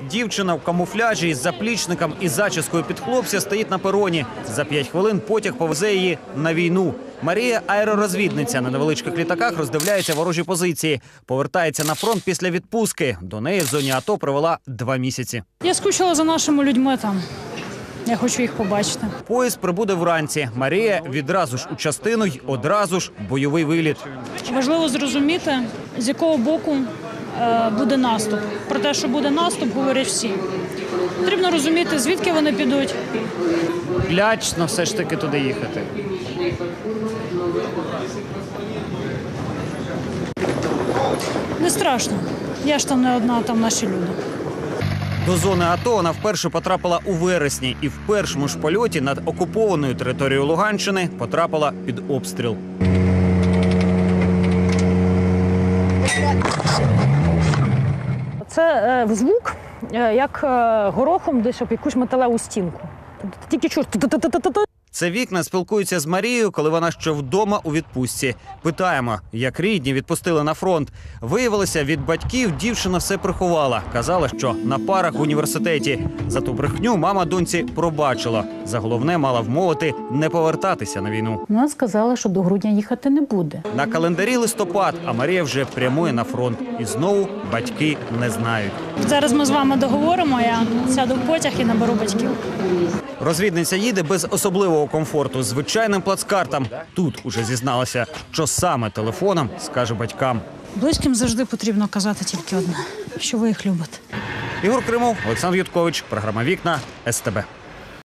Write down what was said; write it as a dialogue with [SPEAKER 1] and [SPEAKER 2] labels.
[SPEAKER 1] Дівчина в камуфляжі із заплічником і зачіскою під хлопця стоїть на пероні. За 5 хвилин потяг повезе її на війну. Марія – аеророзвідниця. На невеличких літаках роздивляється ворожі позиції. Повертається на фронт після відпустки. До неї в зоні АТО провела 2 місяці.
[SPEAKER 2] Я скучила за нашими людьми там. Я хочу їх побачити.
[SPEAKER 1] Поїзд прибуде вранці. Марія відразу ж у частину й одразу ж бойовий виліт.
[SPEAKER 2] Важливо зрозуміти, з якого боку буде наступ. Про те, що буде наступ, говорять всі. Потрібно розуміти, звідки вони підуть.
[SPEAKER 1] Лячно все ж таки туди їхати.
[SPEAKER 2] Не страшно. Я ж там не одна, там наші люди.
[SPEAKER 1] До зони АТО вона вперше потрапила у вересні і в першому ж польоті над окупованою територією Луганщини потрапила під обстріл.
[SPEAKER 2] Це звук, як горохом десь об якусь металеву стінку. Тільки чуєш.
[SPEAKER 1] Це вікна спілкуються з Марією, коли вона ще вдома у відпустці. Питаємо, як рідні відпустили на фронт. Виявилося, від батьків дівчина все приховала. Казала, що на парах в університеті. За ту брехню мама доньці пробачила. За головне мала вмовити не повертатися на війну.
[SPEAKER 3] Вона сказала, що до грудня їхати не буде.
[SPEAKER 1] На календарі листопад, а Марія вже прямує на фронт. І знову батьки не знають.
[SPEAKER 2] Зараз ми з вами договоримо, я сяду в потяг і наберу батьків.
[SPEAKER 1] Розвідниця їде без особливого комфорту, звичайним плацкартом. Тут уже зізналася, що саме телефоном скаже батькам.
[SPEAKER 2] Близьким завжди потрібно казати тільки одне, що ви їх любите.
[SPEAKER 1] Ігор Кримов, Олександр Юткович, програма «Вікна», СТБ.